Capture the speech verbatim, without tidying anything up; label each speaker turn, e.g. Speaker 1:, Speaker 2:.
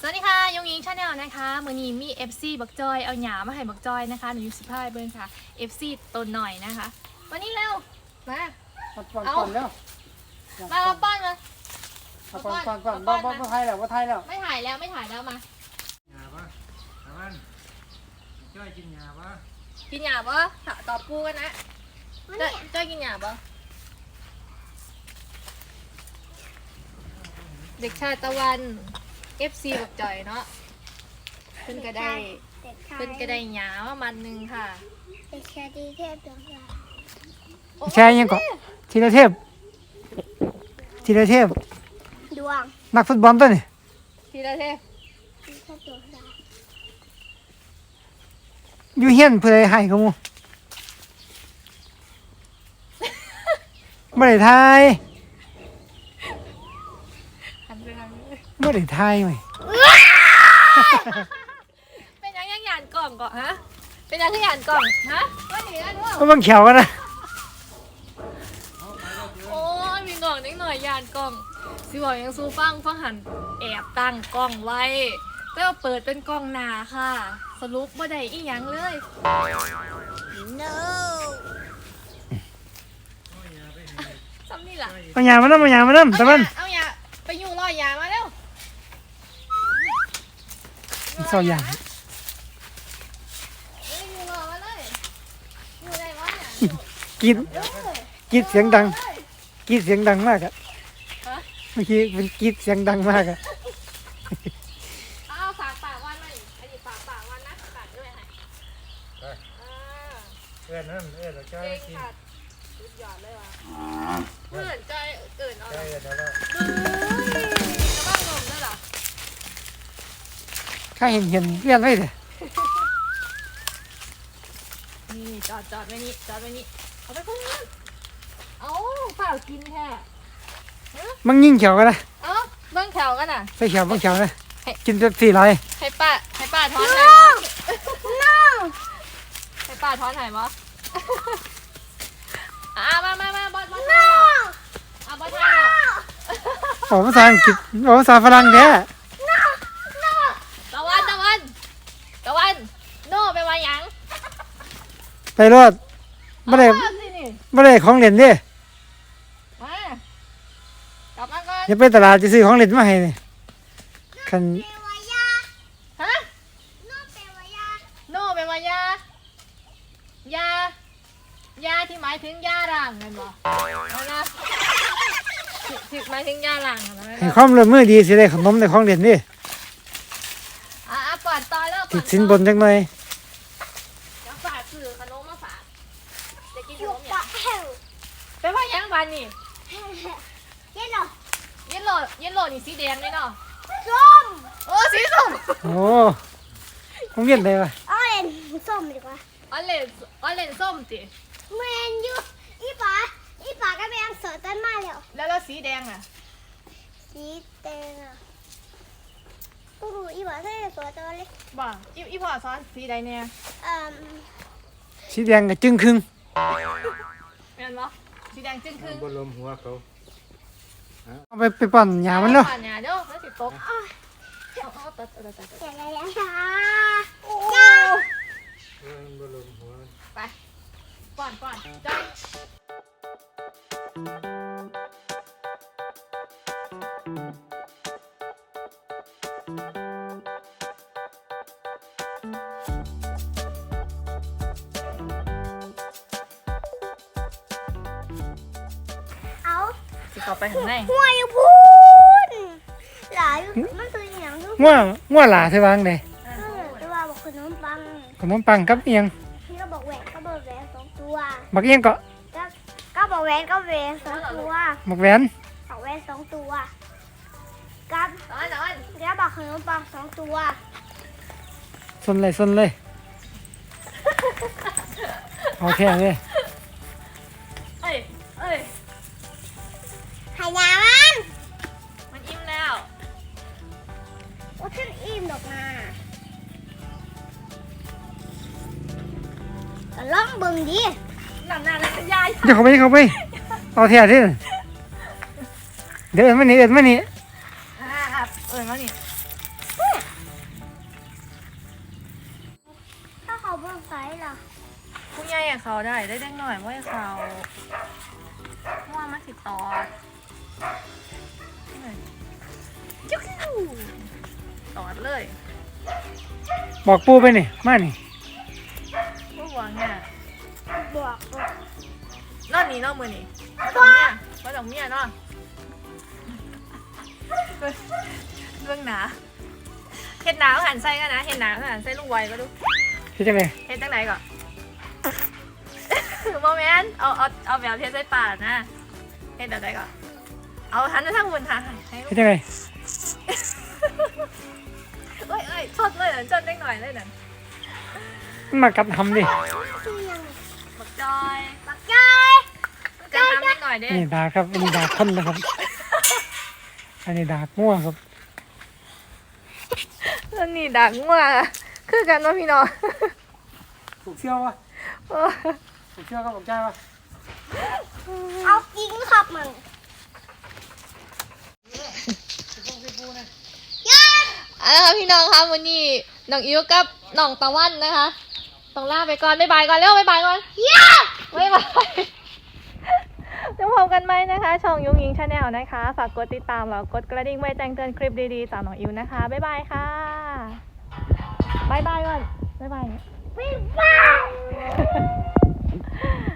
Speaker 1: สวัสดีค่ะยงยิงชาแนลนะคะมือนี้มี เอฟ ซี บักจอยเอาหยามาให้บักจอยนะคะหนูอยู่สิบห้าเบิ้งค่ะ เอฟ ซี ตัวหน่อยนะคะวันนี้เร็วมาเอามามาป้อนมา
Speaker 2: ก่อนก่อนก่อนบ่บ่บ่ไทยแล้วบ่ไทยแล้ว
Speaker 1: ไม่ถ่ายแล้วไม่ถ่ายแล้วมา
Speaker 2: หยาปะตะวันจ้อยกินหยาปะ
Speaker 1: กินหยาปะตอบกูกันนะจ้อยจ้อยกินหยาปะเด็กชายตะวัน เอฟ ซี บักจอยเนาะเพิ่นก็ได้เพิ่นก็ได้หยามามันหนึ่งค่ะ
Speaker 3: เด็กชายดีเทพดวงดาว
Speaker 2: แช่ยังก่อนธีรเทพธีรเทพ
Speaker 3: ดวง
Speaker 2: นักฟุตบอลตัวนี่
Speaker 1: ธีรเทพ
Speaker 3: ดีเทพดวงดาว
Speaker 2: อยู่เฮียนเพื่อให้เขามูไม่ได้ทายไม่ได้ทายไหม
Speaker 1: เป็นยังยังหยานกล่องก่อนฮะเป็นยังที่หยานกล่องฮะว่าหนีนะด้วย
Speaker 2: ก็บังเขียวกันนะ
Speaker 1: โอ้ยมีกล่องนิดหน่อยหยานกล่องสิบอกยังซูฟังฟังหันแอบตั้งกล่องไว้แล้วเปิดเป็นกล่องหนาค่ะสรุปว่าได้อีหยังเลย
Speaker 3: no
Speaker 1: ซ้ำนี่ล่ะ
Speaker 2: เอาหยามาน้ำเอาหยามาน้ำตะวัน
Speaker 1: เอาหยาไปอยู่รอยหยามาเร็ว
Speaker 2: เศร้าหยากินกินเสียงดังกินเสียงดังมากอะเมื่อกี้เป็นกินเสียงดังมากอะ
Speaker 1: เอาฝากปากวันมาอันนี้ฝากปากวันนะฝากด้วยให้
Speaker 2: เอื้อนนั่นเอื้อนแล้วก็กิน
Speaker 1: สุดยอดเลยว่ะเพื่อนใจเกินเอาเลยจะบ้างงงด้วยเหรอ
Speaker 2: ข้าเห็นเห็นเลี้ยนไว้เลย
Speaker 1: นี่จอดจอดไว้นี่จอดไว้นี่เอาไปพุ่งเอาเปล่ากินแค่
Speaker 2: มันยิ่งเขียวกันนะ
Speaker 1: เอ้าเบิ้งแถวกันอ่ะ
Speaker 2: ใส่เขียวบ้างเขียวนะกินเป็นสี่ร้อย
Speaker 1: ให้ป้าให้ป้าท้อนหน่อยมั้ยให้ป้าท้อนหน่อยมั้ยอ่ะมามามาบอสบอสอ่ะบอสไทย
Speaker 2: โอ้ภาษาอังกฤษโอ้ภาษาฝรั่งแท้
Speaker 1: ตะวันตะวันตะวันโน่ไปมาหยัง
Speaker 2: ไปรอดไม่ได้ไม่ได้ของเล่นดิ
Speaker 1: มากลับมาก่อน
Speaker 2: อย่าไปตลาดจะซื้อของเล่นมาให้นี่คัน
Speaker 1: ฮะโน่ไปมายาโน่ไปมายายายาที่หมายถึงยาหลังเห็นบ่นะที่หมายถึงยาหลัง
Speaker 2: ให้ความร่วมมือดีสิได้ขนมได้ของเล่นดิ
Speaker 1: อ่ะปอดต่อแล้ว
Speaker 2: ติดสินบนจังหน่อย
Speaker 1: เดี๋ยวฝากซื้อขนมมาฝากจะกินขนมอย่างไปว่ายังวันนี่
Speaker 3: เย็นหรอ
Speaker 1: เย็นโหลดเย็นโหลดนี่สีแดงเลยเนาะ
Speaker 3: ส้ม
Speaker 1: โอ้สีส้ม
Speaker 2: โอ้คงเย็นเลยวะ
Speaker 3: ออเรนส้มดีกว่า
Speaker 1: ออเรนออเรนส้มจิ
Speaker 3: เมนยูอีป๋าอีป๋าก็ไปยังเสือต้นมาแล้ว
Speaker 1: แล้วแล้วสีแดงอ่ะ
Speaker 3: สีแดงอ่ะกูรู้อีป๋าใส่เสือตัวเล็ก
Speaker 1: บ่อีอีพ่อซ้อนสีใดเนี่ย
Speaker 3: อืม
Speaker 2: สีแดงกับจึงครึ่ง
Speaker 1: แม่นบ่สีแดงจึงครึ่ง
Speaker 2: บนลมหัวเขาเอาไปไปปั่นหญ้ามันเนาะ
Speaker 1: ปั่นหญ้าเด้อแล้วสิตกเอาเอาตัดตัดตัด
Speaker 3: ตัดอะไรแล้วจ้า
Speaker 1: จ้า
Speaker 2: บนลมหัว
Speaker 1: ไปปั่นปั่นจ้าเข้าไปข้างใน
Speaker 3: หัวอยู่พูนหลายมันตัวอย่างลูก
Speaker 2: ง่วงง่วงหลาเธอวางเลย
Speaker 3: ตัวบอกขนมปัง
Speaker 2: ขนมปังกับเอียง
Speaker 3: พี่ก็บอกแหวนก็บอกแหวนสองตัว
Speaker 2: บักเอียงก็
Speaker 3: ก็บอกแหวนก็แหวนสองตัว
Speaker 2: บักแหวน
Speaker 3: บอกแหวนสองตัวกับ
Speaker 1: ร้อนร้อน
Speaker 3: แล้วบอกขนมปังสองตัว
Speaker 2: สนเลยสนเลยโอเคเลย
Speaker 1: เอ้ยเอ้ย
Speaker 3: หายามัน
Speaker 1: มันอิ่มแล้ว
Speaker 3: ว่าฉันอิ่มดอกนาแต่ล่องบึงดิ
Speaker 1: หนังหนาเลยยาย
Speaker 2: เดี๋ยวเขาไปเขาไปเอาเทียที่เดี๋ยวเอ็นมานี่เอ็นมานี่
Speaker 1: อ่าเอ็นมานี่
Speaker 3: ต้องใส่ล่ะ
Speaker 1: ผู้ใหญ่อะเขาได้ได้เด็กหน่อยว่าเขาว่ามันสิตอดจุ๊กตอดเลย
Speaker 2: บอกปูไปนี่มานี่
Speaker 1: ผู้หวังเนี่ย
Speaker 3: บวกบวก
Speaker 1: นอนนี่นอนมือนี่มาดอกเมียมาดอกเมียเนาะเรื่องหนาเห็ดหนาเขาหันไส้กันนะเห็ดหนาเขาหันไส้ลูกไวก็ดู
Speaker 2: เฮ็ดจังได๋
Speaker 1: เฮ็ดจังไหนก่อน โมเมนต์เอาเอาเอาแบบเทใส่ปากนะเฮ็ดแบบไหนก่อนเอาหันไปทางบนทางให้
Speaker 2: เฮ็ดจังได๋
Speaker 1: เอ้ยเอ้ยชดเลยนั่นชดได้หน่อยเลยนั่น
Speaker 2: มันมากัดทำดิ
Speaker 3: คือยัง
Speaker 1: บักจอย
Speaker 3: บักจอย
Speaker 1: จะทำได้หน่อยเด้
Speaker 2: นี่ดาครับอันนี้ดาคนนะครับ อันนี้ดาง่วงครับ
Speaker 1: แล้วนี่ดักงัวคือกันว่าพี่น้อง
Speaker 2: ถูกเชี่ยววะถูกเชี่ยวก็บอกใจวะ
Speaker 3: เอาจริงครับมันยัน
Speaker 1: เอาละค่ะพี่น้องคะวันนี้น้องอิวกับน้องตะวันนะคะต้องลาไปก่อนบ๊ายบายก่อนเร็วบ๊ายบายก่อน
Speaker 3: ยัน
Speaker 1: บ๊ายบายจะพบกันไหมนะคะ ช่องยุงยิงชาแนลนะคะ ฝากกดติดตามแล้วกดกระดิ่งไว้แจ้งเตือนคลิปดีๆจากน้องอิวนะคะ บ๊ายบายค่ะบ๊ายบายก่อนบ๊ายบาย
Speaker 3: บ๊ายบาย